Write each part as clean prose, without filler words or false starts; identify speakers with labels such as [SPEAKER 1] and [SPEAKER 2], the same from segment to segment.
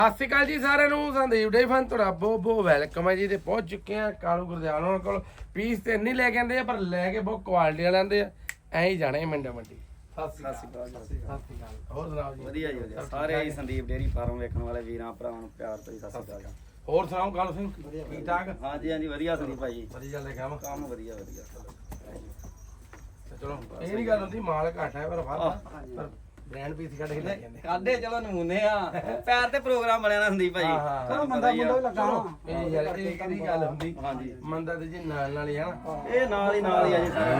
[SPEAKER 1] ਸਤਿ ਸ਼੍ਰੀ ਅਕਾਲ ਜੀ ਸਾਰਿਆਂ ਨੂੰ। ਸੰਦੀਪ ਡੇ ਫਨ ਤੁਹਾਡਾ ਬਹੁਤ ਵੈਲਕਮ ਹੈ ਜੀ। ਤੇ ਪਹੁੰਚ ਚੁੱਕੇ ਆ ਕਾਲੂ ਗੁਰਦਿਆਲ ਉਹਨਾਂ ਕੋਲ। ਪੀਸ ਤੇ ਨਹੀਂ ਲੈ ਕੇ ਆਂਦੇ ਆ ਪਰ ਲੈ ਕੇ ਬਹੁਤ ਕੁਆਲਿਟੀ ਵਾਲੇ ਆਂਦੇ ਆ। ਐਂ ਹੀ ਜਾਣੇ ਮੰਡਾ ਮੰਡੀ। ਸਤਿ ਸ਼੍ਰੀ ਅਕਾਲ। ਹੋਰ ਸੁਣਾਓ ਜੀ?
[SPEAKER 2] ਵਧੀਆ ਜੀ ਵਧੀਆ। ਸਾਰੇ ਹੀ ਸੰਦੀਪ ਡੇਅਰੀ ਫਾਰਮ ਵੇਖਣ ਵਾਲੇ ਵੀਰਾਂ ਭਰਾਵਾਂ ਨੂੰ ਪਿਆਰ ਤੋਂ ਸਤਿ ਸ਼੍ਰੀ ਅਕਾਲ।
[SPEAKER 1] ਹੋਰ ਸੁਣਾਓ ਕਾਲੂ ਸਿੰਘ? ਠੀਕ ਠਾਕ?
[SPEAKER 2] ਹਾਂਜੀ ਹਾਂਜੀ ਵਧੀਆ ਸੰਦੀਪ ਭਾਈ।
[SPEAKER 1] ਵਧੀਆ ਚੱਲਦਾ
[SPEAKER 2] ਕੰਮ ਵਧੀਆ ਵਧੀਆ।
[SPEAKER 1] ਚਲੋ ਇਹ ਨਹੀਂ ਗੱਲ ਹੁੰਦੀ ਮਾਲ ਘੱਟ ਹੈ ਪਰ ਪਰ ਬ੍ਰਾਂਡ ਪੀਸ ਕੱਢ ਕੇ ਲੈ ਜਾਂਦੇ
[SPEAKER 2] ਕਾਡੇ ਚਲੋ ਨਮੂਨੇ ਆ ਪੈਰ ਤੇ ਪ੍ਰੋਗਰਾਮ ਬਣਿਆ ਨਾ ਸੰਦੀਪ ਭਾਈ।
[SPEAKER 1] ਚਲੋ ਮੰਦਾ ਮੁੰਡਾ ਵੀ ਲੱਗਾ ਇਹ ਯਾਰ ਇਹ ਕਿਹੜੀ ਗੱਲ ਹੁੰਦੀ?
[SPEAKER 2] ਹਾਂਜੀ
[SPEAKER 1] ਮੰਦਾ ਤੇ ਜੀ ਨਾਲ ਹੀ ਹਨਾ।
[SPEAKER 2] ਇਹ ਨਾਲ ਹੀ ਆ ਜੀ ਸਾਰਾ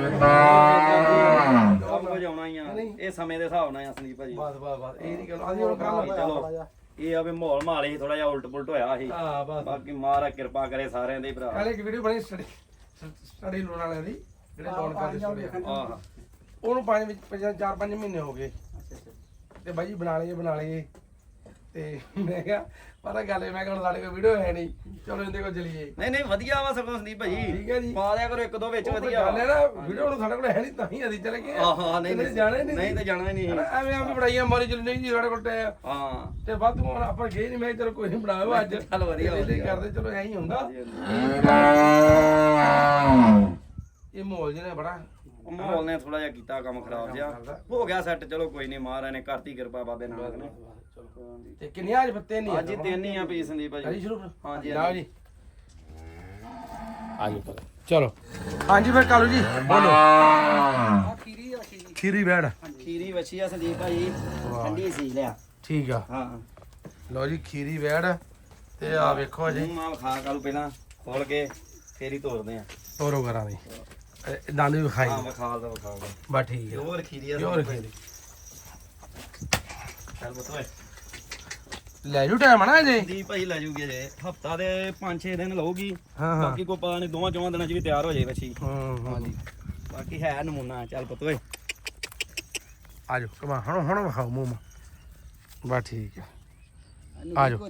[SPEAKER 2] ਕੰਮ ਕੁਝ ਆਉਣਾ ਹੀ ਆ। ਇਹ ਸਮੇਂ ਦੇ ਹਿਸਾਬ ਨਾਲ ਆ ਸੰਦੀਪ ਭਾਜੀ।
[SPEAKER 1] ਬਸ ਇਹ ਨਹੀਂ ਗੱਲ ਅਸੀਂ ਹੁਣ ਕੰਮ
[SPEAKER 2] ਚਲੋ ਇਹ ਆ ਵੀ ਮਾਹੌਲ ਮਾਲ ਹੀ ਥੋੜਾ ਜਿਹਾ ਉਲਟ ਪੁਲਟ ਹੋਇਆ ਸੀ।
[SPEAKER 1] ਹਾਂ ਬਸ
[SPEAKER 2] ਬਾਕੀ ਮਹਾਰਾਜ ਕਿਰਪਾ ਕਰੇ ਸਾਰਿਆਂ ਦੇ ਭਰਾ।
[SPEAKER 1] ਕੱਲ ਇੱਕ ਵੀਡੀਓ ਬਣੀ ਸਟੱਡੀ ਲੋਨ ਵਾਲਿਆਂ ਦੀ ਜਿਹੜੇ ਲੋਨ ਕਰਦੇ ਸਟੱਡੀ
[SPEAKER 2] ਆਹ
[SPEAKER 1] ਉਹਨੂੰ 4-5 ਮਹੀਨੇ ਹੋ ਗਏ ਤੇ ਬਾਈ ਜੀ ਬਣਾ ਲਈਏ ਤੇ ਮੈਂ ਕਿਹਾ ਪਤਾ ਗੱਲ ਹੈ ਮੈਂ ਕਿਹਾ ਹੁਣ ਸਾਡੇ ਕੋਲ ਵੀਡੀਓ ਹੈ ਨਹੀਂ ਚਲੋ ਇਹਦੇ ਕੋਲ ਚਲੀਏ।
[SPEAKER 2] ਨਹੀਂ ਵਧੀਆ ਵਾ ਸਗੋਂ ਸੰਦੀਪ ਭਾਜੀ।
[SPEAKER 1] ਠੀਕ ਹੈ ਜੀ
[SPEAKER 2] ਪਾ ਦਿਆ ਕਰੋ ਇੱਕ ਦੋ ਵਿੱਚ ਵਧੀਆ
[SPEAKER 1] ਗੱਲ ਹੈ ਨਾ ਵੀਡੀਓ ਹੁਣ ਸਾਡੇ ਕੋਲ ਹੈ ਨਹੀਂ ਤਾਂ ਹੀ ਅਸੀਂ ਚਲੇ ਗਏ।
[SPEAKER 2] ਹਾਂ ਨਹੀਂ
[SPEAKER 1] ਜਾਣਾ
[SPEAKER 2] ਨਹੀਂ ਤਾਂ ਜਾਣਾ ਹੀ ਨਹੀਂ।
[SPEAKER 1] ਐਵੇਂ ਆਪਣੀ ਬੜਾਈਆਂ ਮਾਰੀ ਚਲ ਨਹੀਂ ਜੀ ਸਾਡੇ ਕੋਲ ਟੈ
[SPEAKER 2] ਹਾਂ
[SPEAKER 1] ਤੇ ਵੱਧ ਹੁਣ ਆਪਾਂ ਗਏ ਨਹੀਂ। ਮੈਂ ਚਲੋ ਕੋਈ ਨਹੀਂ ਬਣਾਓ ਅੱਜ
[SPEAKER 2] ਚੱਲ ਵਧੀਆ
[SPEAKER 1] ਕਰਦੇ ਚਲੋ ਐਂ ਹੀ ਹੁੰਦਾ। ਇਹ ਮਾਹੌਲ ਜਿਹਨੇ ਬੜਾ
[SPEAKER 2] ਮਾਹੌਲ ਨੇ ਥੋੜਾ ਜਿਹਾ ਕੀਤਾ ਕੰਮ ਖਰਾਬ ਜਿਹਾ ਹੋ ਗਿਆ ਸੈੱਟ। ਚਲੋ ਕੋਈ ਨਹੀਂ ਮਹਾਰਾਜ ਨੇ ਕਰਤੀ ਕਿਰਪਾ ਬਾਬੇ ਨਾਨਕ ਨੇ।
[SPEAKER 1] ਤੇ ਕਿੰਨੀਆਂ ਅੱਜ ਪੱਤੇ ਨਹੀਂ
[SPEAKER 2] ਅੱਜ ਹੀ ਤਿੰਨ ਹੀ ਆ ਪੀਸ ਸੰਦੀਪ ਭਾਜੀ।
[SPEAKER 1] ਸ਼ੁਰੂ
[SPEAKER 2] ਹਾਂਜੀ
[SPEAKER 1] ਲਓ ਜੀ ਆਜੋ ਚਲੋ। ਹਾਂਜੀ ਫਿਰ ਕਾਲੂ ਜੀ ਬੋਲੋ। ਖੀਰੀ ਬੈੜ
[SPEAKER 2] ਖੀਰੀ ਵੱਛੀ ਆ ਸੰਦੀਪ ਭਾਜੀ। ਠੰਡੀ ਸੀ ਲਿਆ। ਠੀਕ
[SPEAKER 1] ਆ
[SPEAKER 2] ਹਾਂ।
[SPEAKER 1] ਲਓ ਜੀ ਖੀਰੀ ਬੈੜ ਤੇ ਆ ਵੇਖੋ ਜੀ
[SPEAKER 2] ਮਾਲ ਖਾ ਕਾਲੂ ਪਹਿਲਾਂ ਖੋਲ ਕੇ ਫੇਰ ਹੀ ਤੋੜਦੇ ਆ।
[SPEAKER 1] ਤੋਰੋ ਕਰਾਂ ਦੀ ਦੰਦ ਵੀ ਖਾਈ
[SPEAKER 2] ਹਾਂ ਵਿਖਾਲ ਦਾ
[SPEAKER 1] ਬਸ ਠੀਕ ਹੈ।
[SPEAKER 2] ਹੋਰ ਖੀਰੀ ਆ
[SPEAKER 1] ਹੋਰ ਖੀਰੀ
[SPEAKER 2] ਚੱਲ ਬਤੋਏ
[SPEAKER 1] ਲੈ ਜੂ ਟਾਈਮ ਨਾ ਜੀ।
[SPEAKER 2] ਸੰਦੀਪ ਭਾਜੀ ਲੈ ਜੂਗੀ ਜੇ ਹਫਤਾ ਦੇ 5-6 ਦਿਨ ਲਊਗੀ।
[SPEAKER 1] ਹਾਂ
[SPEAKER 2] ਬਾਕੀ ਕੋਈ ਪਤਾ ਨਹੀਂ ਦੋਵਾਂ ਚੋਂ ਦਿਨਾਂ ਚ ਵੀ ਤਿਆਰ ਹੋ ਜਾਏ ਵੱਛੀ।
[SPEAKER 1] ਹਾਂਜੀ
[SPEAKER 2] ਬਾਕੀ ਹੈ ਨਮੂਨਾ। ਚੱਲ ਪਤੋਏ
[SPEAKER 1] ਆਜੋ ਕਮਾ ਹੁਣ ਵਿਖਾਓ ਮੂੰਹ ਬਸ ਠੀਕ ਹੈ। ਆਜੋ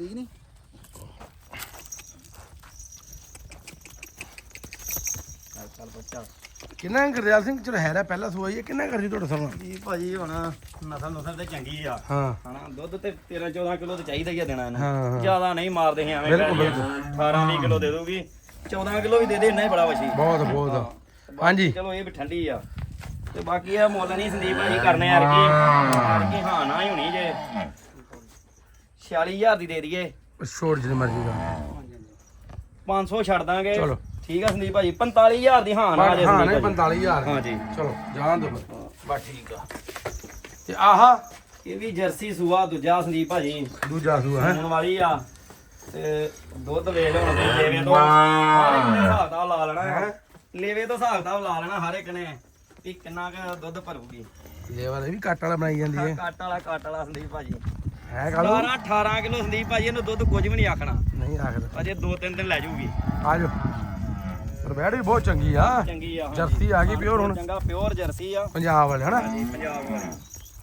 [SPEAKER 2] ਚੱਲ ਬੱਚਾ
[SPEAKER 1] ਕਿੰਨਾ ਗੁਰਦਿਆਲ ਸਿੰਘ ਚਲੋ ਹੈਰਾ ਪਹਿਲਾ ਸੂਆ ਹੀ ਕਿੰਨਾ ਕਰਦੀ ਤੁਹਾਡਾ ਸਮਾਂ?
[SPEAKER 2] ਜੀ ਭਾਜੀ ਹੁਣ ਨਸਲ ਤੇ ਚੰਗੀ ਆ
[SPEAKER 1] ਹਾਂ
[SPEAKER 2] ਹਨਾ। ਦੁੱਧ ਤੇ 13-14 ਕਿਲੋ ਤੇ ਚਾਹੀਦਾ ਹੀ ਆ ਦੇਣਾ
[SPEAKER 1] ਹਾਂ,
[SPEAKER 2] ਇਹਨੂੰ।
[SPEAKER 1] ਹਾਂ।
[SPEAKER 2] ਜ਼ਿਆਦਾ ਨਹੀਂ ਮਾਰਦੇ ਸੀ ਐਵੇਂ।
[SPEAKER 1] ਬਿਲਕੁਲ
[SPEAKER 2] 18-20 ਕਿਲੋ ਦੇ ਦੂਗੀ। 14 ਕਿਲੋ ਵੀ ਦੇ ਦੇ ਇੰਨਾ ਹੀ ਬੜਾ ਵਛੀ।
[SPEAKER 1] ਬਹੁਤ ਹਾਂਜੀ
[SPEAKER 2] ਚਲੋ ਇਹ ਵੀ ਠੰਡੀ ਆ ਤੇ ਬਾਕੀ ਇਹ ਮੁੱਲ ਨਹੀਂ ਸੰਦੀਪ ਭਾਜੀ ਕਰਨੇ ਯਾਰ ਕੀ ਹਾਂ ਨਾ ਹੀ ਹੋਣੀ ਜੇ 46000 ਦੀ ਦੇ ਦਈਏ।
[SPEAKER 1] ਛੋੜ ਜਿੰਨੀ ਮਰਜ਼ੀ ਦਾ
[SPEAKER 2] 500 ਛੱਡ ਦਾਂਗੇ।
[SPEAKER 1] ਚਲੋ
[SPEAKER 2] ਠੀਕ ਆ ਸੰਦੀਪ ਭਾਜੀ। 45000 ਦੀ ਹਾਂ ਨਾ ਜੇ
[SPEAKER 1] ਹਾਂ
[SPEAKER 2] ਸੰਦੀਪ
[SPEAKER 1] ਨਹੀਂ
[SPEAKER 2] ਭਾਜੀ।
[SPEAKER 1] 45000
[SPEAKER 2] ਹਾਂਜੀ
[SPEAKER 1] ਚਲੋ ਜਾਣ ਦੋ ਬਸ ਠੀਕ ਆ। ਤੇ ਆਹ
[SPEAKER 2] ਇਹ ਵੀ ਜਰਸੀ ਸੂਆ ਦੂਜਾ ਸੰਦੀਪ ਭਾਜੀ।
[SPEAKER 1] ਦੂਜਾ ਸੂਆ ਹੈ
[SPEAKER 2] ਹੁਣ ਵਾਲੀ ਆ ਤੇ ਦੁੱਧ ਵੇਖ ਲਓ ਹੁਣ ਲੇਵੇ ਤੋਂ ਹਰ ਇੱਕ ਨੇ ਹਿਸਾਬ ਦਾ ਲਾ ਲੈਣਾ ਹੈ। ਲੇਵੇ ਤੋਂ ਹਿਸਾਬ ਦਾ ਲਾ ਲੈਣਾ ਹਰ ਇੱਕ ਨੇ ਵੀ ਕਿੰਨਾ ਕੁ ਦੁੱਧ ਭਰੂਗੀ।
[SPEAKER 1] ਲੇਵਰ ਇਹ ਵੀ ਕੱਟ ਵਾਲਾ ਬਣਾਈ ਜਾਂਦੀ ਹੈ।
[SPEAKER 2] ਕੱਟ ਵਾਲਾ ਸੰਦੀਪ ਭਾਜੀ।
[SPEAKER 1] ਹੈ ਕਾਲੂ
[SPEAKER 2] 18 ਕਿਲੋ ਸੰਦੀਪ ਭਾਜੀ। ਇਹਨੂੰ ਦੁੱਧ ਕੁਝ ਵੀ ਨਹੀਂ ਆਖਣਾ।
[SPEAKER 1] ਨਹੀਂ ਆਖਦਾ
[SPEAKER 2] ਅਜੇ 2-3 ਦਿਨ ਲੈ ਜਾਊਗੀ।
[SPEAKER 1] ਆਜੋ ਪਰ ਬੈੜ ਵੀ ਬਹੁਤ ਚੰਗੀ ਆ।
[SPEAKER 2] ਚੰਗੀ ਆ
[SPEAKER 1] ਜਰਸੀ ਆ ਗਈ ਪਿਓਰ ਹੁਣ।
[SPEAKER 2] ਚੰਗਾ ਪਿਓਰ ਜਰਸੀ ਆ
[SPEAKER 1] ਪੰਜਾਬ ਵਾਲੇ ਹਨਾ।
[SPEAKER 2] ਹਾਂਜੀ ਪੰਜਾਬ ਵਾਲੀ।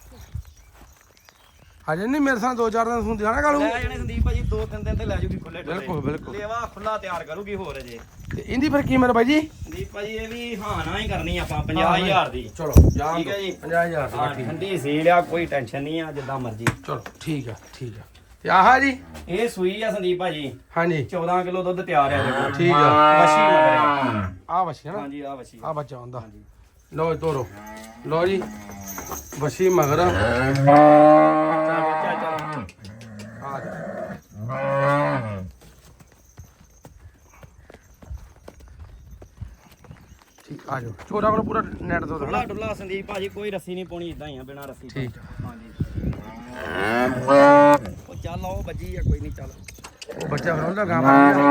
[SPEAKER 1] ਅਜੇ ਨਹੀਂ ਮੇਰੇ ਸਾਹ 2-4 ਦਿਨ ਸੁਣਦੇ ਹਨਾ ਕਾਲੂ।
[SPEAKER 2] ਲੈ ਜਾਣੇ ਸੰਦੀਪ ਭਾਜੀ 2-3 ਦਿਨ ਤੇ ਲੈ ਜਾਊਗੀ ਖੁੱਲੇ ਡੁੱਲੇ।
[SPEAKER 1] ਬਿਲਕੁਲ
[SPEAKER 2] ਲੇਵਾ ਖੁੱਲਾ ਤਿਆਰ ਕਰੂਗੀ ਹੋਰ ਅਜੇ।
[SPEAKER 1] ਤੇ ਇਹਦੀ ਫਿਰ ਕੀਮਤ ਬਾਈ ਜੀ?
[SPEAKER 2] ਸੰਦੀਪ ਭਾਜੀ ਇਹ ਵੀ ਹਾਂ ਨਾ ਹੀ ਕਰਨੀ ਆਪਾਂ 50000 ਦੀ।
[SPEAKER 1] ਚਲੋ ਜਾਣ
[SPEAKER 2] ਠੀਕ ਹੈ
[SPEAKER 1] ਦਿਓ।
[SPEAKER 2] ਜੀ
[SPEAKER 1] 50000
[SPEAKER 2] ਹਾਂ
[SPEAKER 1] ਦੀ
[SPEAKER 2] ਠੰਡੀ ਸੀ ਲਿਆ ਕੋਈ ਟੈਨਸ਼ਨ ਨਹੀਂ ਆ ਜਿੱਦਾਂ ਮਰਜੀ।
[SPEAKER 1] ਚਲੋ ਠੀਕ ਆ ਤੇ ਆਹ ਜੀ
[SPEAKER 2] ਇਹ ਸੂਈ ਆ ਸੰਦੀਪ ਭਾਜੀ।
[SPEAKER 1] ਹਾਂਜੀ
[SPEAKER 2] 14 ਕਿਲੋ ਦੁੱਧ ਤਿਆਰ ਆ ਦੇਖੋ।
[SPEAKER 1] ਠੀਕ ਆ
[SPEAKER 2] ਵਛੀ ਮਗਰ
[SPEAKER 1] ਆ ਵਛੀ ਹਨਾ।
[SPEAKER 2] ਹਾਂਜੀ ਆ ਵਛੀ
[SPEAKER 1] ਆ ਬੱਚਾ ਹੁੰਦਾ। ਲਓ ਜੀ ਤੋਰੋ। ਲਓ ਜੀ ਵਛੀ ਮਗਰ
[SPEAKER 2] ਚੱਲ ਬੱਚਾ ਚੱਲ।
[SPEAKER 1] ਆ ਜੀ ਠੀਕ ਆ ਜਾਓ। ਚੋਰਾ ਕੋਲ ਪੂਰਾ ਨੈਟ ਤੋਂ
[SPEAKER 2] ਡੁੱਲਾ ਡੁੱਲਾ ਸੰਦੀਪ ਭਾਜੀ ਕੋਈ ਰੱਸੀ ਨਹੀਂ ਪਾਉਣੀ ਇਦਾਂ ਹੀ ਆ ਬਿਨਾ ਰੱਸੀ ਤੋਂ।
[SPEAKER 1] ਠੀਕ ਆ।
[SPEAKER 2] ਹਾਂਜੀ ਉਹ ਚੱਲ ਆਓ ਬੱਜੀ ਆ ਕੋਈ ਨਹੀਂ ਚੱਲ।
[SPEAKER 1] ਉਹ ਬੱਚਾ ਫਿਰ ਉਹਦਾ ਗਾਂ
[SPEAKER 2] ਹਾਂਜੀ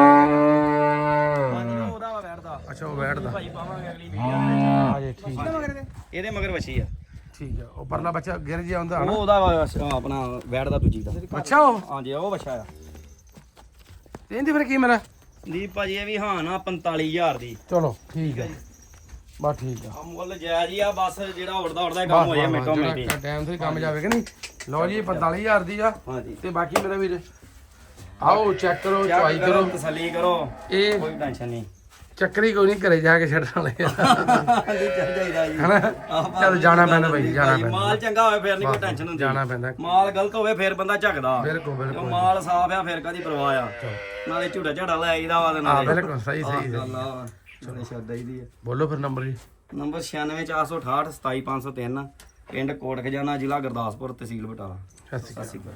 [SPEAKER 2] ਉਹਦਾ ਵਾ ਬੈਠਦਾ।
[SPEAKER 1] ਅੱਛਾ ਉਹ ਬੈਠਦਾ
[SPEAKER 2] ਭਾਜੀ ਪਾਵਾਂਗੇ ਅਗਲੀ ਵੀਡੀਓ ਵਿੱਚ।
[SPEAKER 1] ਆ ਜੀ ਠੀਕ ਆ
[SPEAKER 2] ਇਹਦੇ ਮਗਰ ਵਛੀ ਆ।
[SPEAKER 1] ਠੀਕ ਆ। ਉਹ ਪਰਲਾ ਬੱਚਾ ਗਿਰ ਜਿਹਾ ਹੁੰਦਾ ਹਨਾ।
[SPEAKER 2] ਉਹ ਉਹਦਾ ਵਾ ਆਪਣਾ ਬੈਠਦਾ ਦੂਜੀ ਦਾ।
[SPEAKER 1] ਅੱਛਾ ਉਹ
[SPEAKER 2] ਹਾਂਜੀ ਉਹ ਵਛਾ ਆ।
[SPEAKER 1] ਤੇ ਇਹਦੀ ਫਿਰ ਕੀ ਮੇਰਾ?
[SPEAKER 2] ਸੰਦੀਪ ਭਾਜੀ ਇਹ ਵੀ ਹਾਂ ਨਾ 45000 ਦੀ।
[SPEAKER 1] ਚਲੋ ਠੀਕ ਆ ਬਸ ਠੀਕ ਆ।
[SPEAKER 2] ਆ ਮੁੱਲ ਜਾਇਜ਼ ਹੀ ਆ ਬਸ ਜਿਹੜਾ ਉੜਦਾ ਕੰਮ ਹੋ ਜਾਏ ਮਿੰਟੋ ਮਿੰਟੀ।
[SPEAKER 1] ਟਾਈਮ ਤੇ ਕੰਮ ਜਾਵੇ ਕਿ ਨਹੀਂ। ਲਓ ਜੀ 45000 ਦੀ ਆ।
[SPEAKER 2] ਹਾਂਜੀ
[SPEAKER 1] ਤੇ ਬਾਕੀ ਮੇਰਾ ਵੀਰ ਆਓ ਚੈੱਕ ਕਰੋ ਚੁਆਈ ਕਰੋ
[SPEAKER 2] ਤਸੱਲੀ ਕਰੋ
[SPEAKER 1] ਇਹ
[SPEAKER 2] ਕੋਈ ਟੈਨਸ਼ਨ ਨਹੀਂ।
[SPEAKER 1] ਚੱਕਰੀ ਕੋਈ ਨਹੀਂ, ਘਰੇ ਜਾ ਕੇ ਛੱਡਣ ਵਾਲੇ ਆ।
[SPEAKER 2] ਨਹੀਂ ਚੱਲ ਜਾਈਦਾ ਜੀ
[SPEAKER 1] ਹਨਾ ਚੱਲ ਜਾਣਾ ਪੈਂਦਾ ਬਾਈ, ਜਾਣਾ ਪੈਂਦਾ,
[SPEAKER 2] ਮਾਲ ਚੰਗਾ ਹੋਵੇ ਫਿਰ ਨਹੀਂ ਕੋਈ ਟੈਨਸ਼ਨ ਹੁੰਦੀ,
[SPEAKER 1] ਜਾਣਾ ਪੈਂਦਾ।
[SPEAKER 2] ਮਾਲ ਗਲਤ ਹੋਵੇ ਫਿਰ ਬੰਦਾ ਝਕਦਾ,
[SPEAKER 1] ਬਿਲਕੁਲ
[SPEAKER 2] ਜੋ
[SPEAKER 1] ਬਿਲਕੁਲ
[SPEAKER 2] ਮਾਲ ਸਾਫ ਆ ਫਿਰ ਕਾਦੀ ਪਰਵਾਹ ਆ, ਨਾਲੇ ਝੂੜਾ ਝਾੜਾ ਲੈ ਆਈਦਾ ਵਾ ਤੇ
[SPEAKER 1] ਹਾਂ
[SPEAKER 2] ਨਾਲੇ
[SPEAKER 1] ਬਿਲਕੁਲ ਸਹੀ ਸਹੀ
[SPEAKER 2] ਗੱਲ ਆ ਨਾਲੇ ਛੱਡ ਆਈਦੀ ਆ।
[SPEAKER 1] ਬੋਲੋ ਫਿਰ ਨੰਬਰ ਜੀ।
[SPEAKER 2] ਨੰਬਰ 9648627503, ਪਿੰਡ ਕੋਟ ਖਜਾਨਾ, ਜ਼ਿਲ੍ਹਾ ਗੁਰਦਾਸਪੁਰ, ਤਹਿਸੀਲ ਬਟਾਲਾ।
[SPEAKER 1] ਸਤਿ ਸ਼੍ਰੀ ਅਕਾਲ।
[SPEAKER 2] ਸਤਿ ਸ਼੍ਰੀ ਅਕਾਲ।